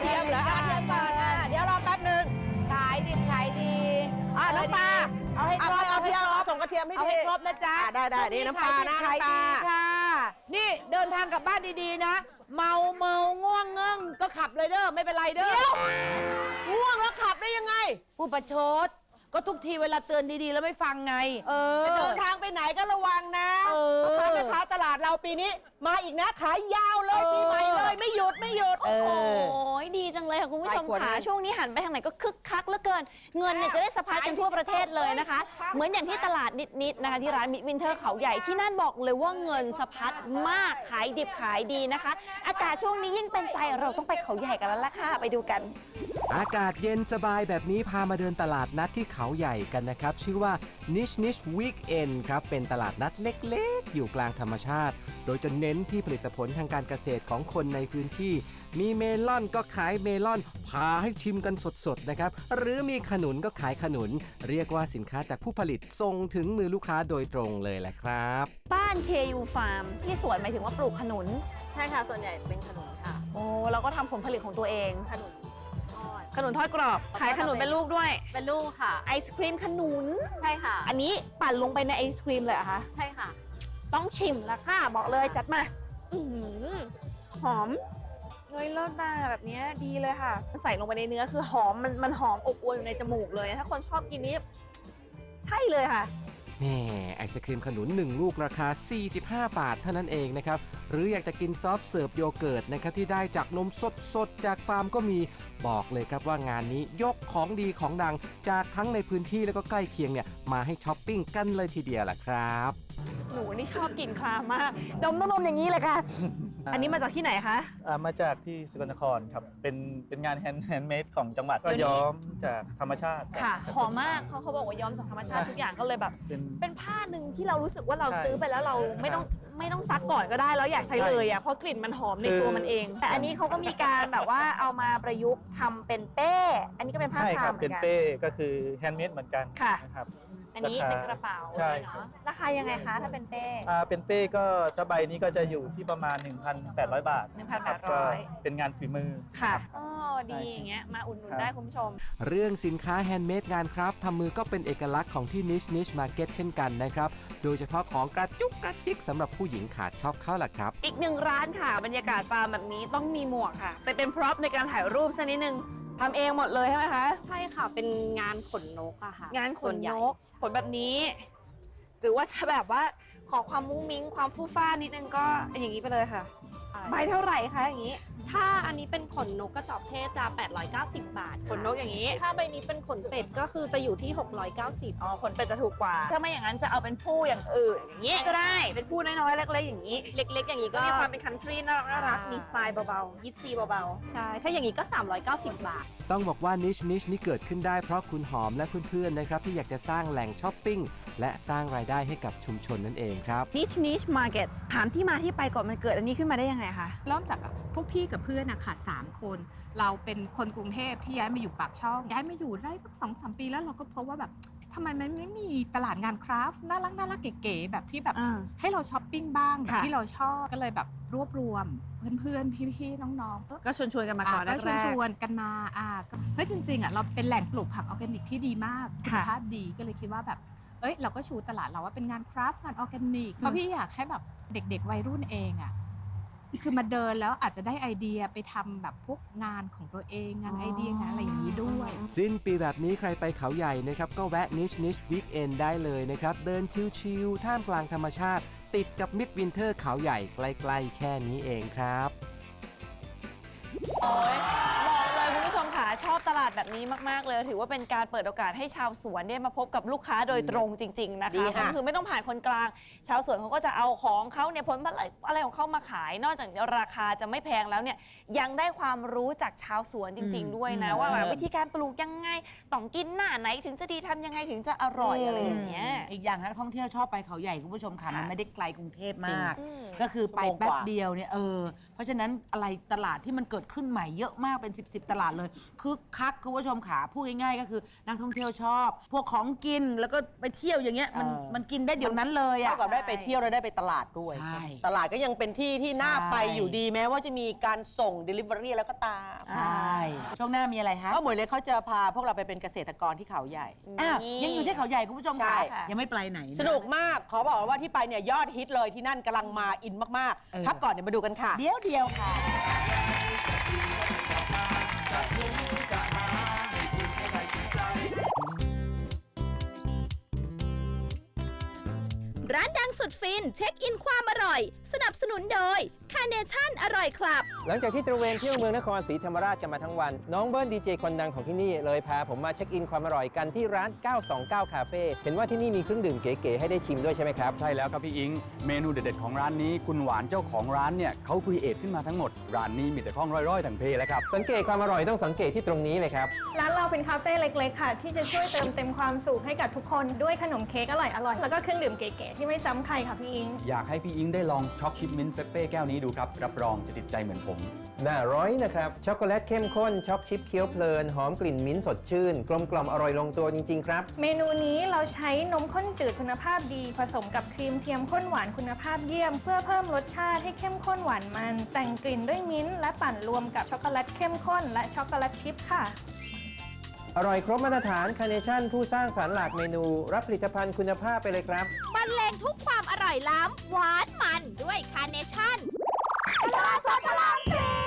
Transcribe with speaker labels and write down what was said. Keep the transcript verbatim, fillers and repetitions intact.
Speaker 1: ทียมเหรอกระเทียมก่อนอ่ะเดี๋ยวรอแป๊บหนึ่งขายดีขายดีอ่ะน้ำปลาเอาให้ครบเอาเพียงเอาส่งกระเทียมให้ดีเอาให้ครบนะจ๊ะได้ได้นี่น้ำปลานะน้ำปลาค่ะนี่เดินทางกลับบ้านดีๆนะเมาเมาง่วงเงื่งก็ขับเลยเด้อไม่เป็นไรเด้อง่วงแล้วขับได้ยังไงผู้ประชดก็ทุกทีเวลาเตือนดีๆแล้วไม่ฟังไงเออเดินทางไปไหนก็ระวังนะพ่อค้าแม่ค้าตลาดเราปีนี้มาอีกนะขายยาวเลยปีใหม่เลยไม่หยุดไม่หยุดโอ้โห
Speaker 2: ดีจังเลยค่ะคุณผู้ชมค่ะช่วงนี้หันไปทางไหนก็คึกคักเหลือเกินเงินเนี่ยจะได้สะพัดกันทั่วประเทศเลยนะคะเหมือนอย่างที่ตลาดนิดๆนะคะที่ร้านมิตรวินเทอร์เขาใหญ่ที่นั่นบอกเลยว่าเงินสะพัดมากขายดิบขายดีนะคะอากาศช่วงนี้ยิ่งเป็นใจเราต้องไปเขาใหญ่กันแล้วล่ะค่ะไปดูกัน
Speaker 3: อากาศเย็นสบายแบบนี้พามาเดินตลาดนัดที่เขาใหญ่กันนะครับชื่อว่า Niche Niche Weekend ครับเป็นตลาดนัดเล็กๆอยู่กลางธรรมชาติโดยจะเน้นที่ผลิตผลทางการเกษตรของคนในพื้นที่มีเมลอนก็ขายเมลอนพาให้ชิมกันสดๆนะครับหรือมีขนุนก็ขายขนุนเรียกว่าสินค้าจากผู้ผลิตส่งถึงมือลูกค้าโดยตรงเลยแหละครับ
Speaker 2: บ้าน เค ยู Farm ที่สวนหมายถึงว่าปลูกขนุน
Speaker 4: ใช่ค่ะส่วนใหญ่เป็นขนุนค่ะ
Speaker 2: โอ้เราก็ทำผลผลิตของตัวเอง
Speaker 4: ขนุนทอด
Speaker 2: ขนุนทอดกรอบขายขนุนเป็นลูกด้วย
Speaker 4: เป็นลูกค่ะ
Speaker 2: ไอศครีมขนุน
Speaker 4: ใช่ค่ะ
Speaker 2: อันนี้ปั่นลงไปในไอศครีมเลยเหรอคะ
Speaker 4: ใช่ค่ะ
Speaker 2: ต้องชิมแล้วค่ะบอกเลยจัดมาหอมเงยเลิศตาแบบนี้ดีเลยค่ะใส่ลงไปในเนื้อคือหอมมันมันหอมอบอวลอยู่ในจมูกเลยถ้าคนชอบกินนี้ใช่เลยค่ะ
Speaker 3: นี่ไอศครีมขนุนหนึ่งลูกราคาสี่สิบห้าบาทเท่านั้นเองนะครับหรืออยากจะกินซอฟต์เสิร์ฟโยเกิร์ตนะครับที่ได้จากนมสดๆจากฟาร์มก็มีบอกเลยครับว่างานนี้ยกของดีของดังจากทั้งในพื้นที่แล้วก็ใกล้เคียงเนี่ยมาให้ช้อปปิ้งกันเลยทีเดียวแหละครับ
Speaker 2: หนูนี่ชอบกินคลามากดมต้องดมอย่างนี้เลยค่ะอันนี้มาจากที่ไหนคะ
Speaker 5: มาจากที่สกลนครครับเป็นเป็นงานแฮนด์แฮนด์เมดของจังหวัดก็ย้อมจากธรรมชาติ
Speaker 2: ค่ะหอมมากเขาเขาบอกว่าย้อมจากธรรมชาติทุกอย่างก็เลยแบบเป็นผ้าหนึ่งที่เรารู้สึกว่าเราซื้อไปแล้วเราไม่ต้องไม่ต้องซักก่อนก็ได้แล้วอยากใช้เลยอ่ะเพราะกลิ่นมันหอมในตัวมันเองแต่อันนี้เขาก็มีการแบบว่าเอามาประยุกต์ทำเป็นเป้อันนี้ก็เป็นผ้าคลุมเหมือนกัน
Speaker 5: เป็นเป้ก็คือแฮนด์เมดเหมือนกันนะครับ
Speaker 2: อันนี้เป็นกระเป๋าใช่เนาะราคายังไงคะถ้าเป็นเป้
Speaker 5: อ่าเป็นเป้ก็ถ้าใบนี้ก็จะอยู่ที่ประมาณ หนึ่งพันแปดร้อย บาท
Speaker 2: หนึ่งพันแปดร้อย
Speaker 5: เป็นงานฝีมือ
Speaker 2: ค่ะอ๋อดีอย่างเงี้ยมาอุดหนุนได้คุณผู้ชม
Speaker 3: เรื่องสินค้าแฮนด์เมดงานคราฟต์ทำมือก็เป็นเอกลักษณ์ของที่ Niche Niche Market เช่นกันนะครับโดยเฉพาะของกระจุกกระจิกสำหรับผู้หญิงขาดชอบเข้าล่ะครับ
Speaker 2: อีกหนึ่งร้านค่ะบรรยากาศฟาร์มแบบนี้ต้องมีหมวกค่ะไปเป็นพร็อพในการถ่ายรูปสักนิดนึงทำเองหมดเลยใช่ไหมคะ
Speaker 4: ใช่ค่ะเป็นงานขนนกอะค่ะ
Speaker 2: งานขนนกขนแบบนี้หรือว่าจะแบบว่าขอความมุ้งมิ้งความฟู่ฟ้านิดนึงก็อย่างนี้ไปเลยค่ะใบเท่าไหร่คะอย่างนี้
Speaker 4: ถ้าอันนี้เป็นขนนกกระจอกเทศจะแปดร้อยเก้าสิบบาท
Speaker 2: ขนนกอย่างนี้
Speaker 4: ถ้าใบนี้เป็นขนเป็ดก็คือจะอยู่ที่หกร้อยเก้าสิบ
Speaker 2: อ๋อขนเป็ดจะถูกกว่าถ้าไม่อย่างนั้นจะเอาเป็นผู้อย่างอื่นอย่างนี้ก็ได้เป็นผู้น้อยๆเล็กๆอย่างนี้
Speaker 4: เล็กๆอย่างนี้ก็
Speaker 2: มีความเป็นคันทรีน่ารักน่ารักมีสไตล์เบาๆยิปซีเบา
Speaker 4: ๆใช่ถ้าอย่างนี้ก็สามร้อยเก้าสิบบาท
Speaker 3: ต้องบอกว่า Niche Niche นี่เกิดขึ้นได้เพราะคุณหอมและเพื่อนๆนะครับที่อยากจะสร้างแหล่งช้อปปิ้งและสร้างรายได้ให้กับชุมชนนั่นเองครับ
Speaker 2: Niche Niche Market ถามที่มาที่ไปก่อนมันเกิดอันนี้ขึ้นมาได้ยังไงคะ
Speaker 6: เริ่มจากพวกพี่กับเพื่อนอะค่ะสามคนเราเป็นคนกรุงเทพที่ย้ายมาอยู่ปากช่องย้ายมาอยู่ได้สักสองสามปีแล้วเราก็พบว่าแบบทำไมมันไม่มีตลาดงานคราฟต์น่ารักน่ารักเก๋ๆแบบที่แบบให้เราช้อปปิ้งบ้างแบบที่เราชอบก็เลยแบบรวบรวมเพื่อนๆพี่ๆน้อง
Speaker 2: ๆก็ชวนๆกันมาก่อนแรก
Speaker 6: ก็ชวนๆกันมาอ่าเฮ้ยจริงๆอ่ะเราเป็นแหล่งปลูกผักออร์แกนิกที่ดีมากคุณภาพดีก็เลยคิดว่าแบบเอ้ยเราก็ชูตลาดเราว่าเป็นงานคราฟต์งานออร์แกนิกเพราะพี่อยากให้แบบเด็กๆวัยรุ่นเองอ่ะคือมาเดินแล้วอาจจะได้ไอเดียไปทำแบบพวกงานของตัวเองงานไอเดียงานอะไรอย่างนี้ด้วย
Speaker 3: สิ้นปีแบบนี้ใครไปเขาใหญ่นะครับก็แวะ Niche Niche Weekend ได้เลยนะครับเดินชิลๆท่ามกลางธรรมชาติติดกับมิดวินเทอร์เขาใหญ่ใกล้ๆแค่นี้เองครับ
Speaker 2: โอ้ยบอกเลยคุณผู้ชมค่ะชอบตลาดแบบนี้มากๆเลยถือว่าเป็นการเปิดโอกาสให้ชาวสวนได้มาพบกับลูกค้าโดยตรงจริงๆนะคะก็คือไม่ต้องผ่านคนกลางชาวสวนเขาก็จะเอาของเขาเนี่ยผลผลิตอะไรของเขามาขายนอกจากราคาจะไม่แพงแล้วเนี่ยยังได้ความรู้จากชาวสวนจริงๆด้วยนะว่าวิธีการปลูกยังไงต้องกินหน้าไหนถึงจะดีทำยังไงถึงจะอร่อยอะไรอย่างเงี้ย
Speaker 1: อีกอย่างนักท่องเที่ยวชอบไปเขาใหญ่คุณผู้ชมค่ะมันไม่ได้ไกลกรุงเทพมากก็คือไปแป๊บเดียวเนี่ยเออเพราะฉะนั้นอะไรตลาดที่มันเกิดขึ้นใหม่เยอะมากเป็นสิบสิบตลาดเลยคึกคักคุณผู้ชมขาพูดง่ายๆก็คือนักท่องเที่ยวชอบ พวกของกินแล้วก็ไปเที่ยวอย่างเงี้ยมันมันกินได้เดี๋ยวนั้นเลยอะ
Speaker 7: เท่ากับได้ไปเที่ยวแล้วได้ไปตลาดด้วย
Speaker 1: ใช่
Speaker 7: ตลาดก็ยังเป็นที่ที่น่า
Speaker 1: ใช่
Speaker 7: ไปอยู่ดีแม้ว่าจะมีการส่ง Delivery แล้วก็ตาม
Speaker 1: ใช่ช่วงหน้ามีอะไรฮะ
Speaker 7: เพราะหมวยเล็กเขาจะพาพวกเราไปเป็นเกษตรกรที่เขาใหญ่
Speaker 1: อ้าวยังอยู่ที่เขาใหญ่คุณผู้ชม
Speaker 7: ใช่
Speaker 1: ค่ะยังไม่ไปไหนนะ
Speaker 7: สนุกมาก ขอบอกว่าที่ไปเนี่ยยอดฮิตเลยที่นั่นกำลังมาอินมาก
Speaker 1: เออ
Speaker 7: ๆ พักก่อนเดี๋ยวมาดูกันค่ะ
Speaker 1: เดี๋ยวเดียวค่ะ
Speaker 8: ร้านดังสุดฟินเช็คอินความอร่อย สนับสนุนโดยคาเนชั่นอร่อยครับ
Speaker 3: หลังจากที่ตระเวนเที่ยวเมืองนครศรีธรรมราชกันมาทั้งวัน น้องเบิ้ลดีเจคนดังของที่นี่เลยพาผมมาเช็คอินความอร่อยกันที่ร้าน เก้าสองเก้า คาเฟ่เห็นว่าที่นี่มีเครื่องดื่มเก๋ๆให้ได้ชิมด้วยใช่ไหมครับ
Speaker 9: ใช่แล้วครับพี่อิง เมนูเด็ดๆของร้านนี้คุณหวานเจ้าของร้านเนี่ยเขาครีเอทขึ้นมาทั้งหมด ร้านนี้มีแต่ข้องร้อยๆทั้งเพแล้วครับ
Speaker 3: สังเกตความอร่อยต้องสังเกตที่ตรงนี้เลยครับ
Speaker 10: ร้านเราเป็นคาเฟ่เล็กๆค่ะ ที่จะช่วยเติมเต็มความสุขให้กับทุกคนด้วยขนมเค้กอร่อยๆ แล้วก็เครื่องดื่มเก๋ๆที่ไม่ซ้ำใครค่ะพี่อิง
Speaker 9: อยากให้พี่อิงได้ลองช็อกชิปมิ้นท์เฟเป้แก้วนี้ดูครับ รับรองจะติดใจเหมือนผม
Speaker 3: น่าร้อยนะครับ ช็อกโกแลตเข้มข้น ช็อกชิปเคี้ยวเพลิน หอมกลิ่นมิ้นท์สดชื่น กลมกล่อมอร่อยลงตัวจริง ๆ ครับ
Speaker 10: เมนูนี้เราใช้นมข้นจืดคุณภาพดี ผสมกับครีมเทียมข้นหวานคุณภาพเยี่ยม เพื่อเพิ่มรสชาติให้เข้มข้นหวานมัน แต่งกลิ่นด้วยมิ้นท์และปั่นรวมกับช็อกโกแลตเข้มข้นและช็อกโกแลตชิพค่ะ
Speaker 3: อร่อยครบมาตรฐานคาเนชั่นผู้สร้างสรรค์หลากเมนู รับผลิตภัณฑ์คุณภาพไปเลยครับ
Speaker 8: บรรเลงทุกความอร่อยล้ำหวานมันด้วยคาเนชั่นตลาดสดพระรามสี่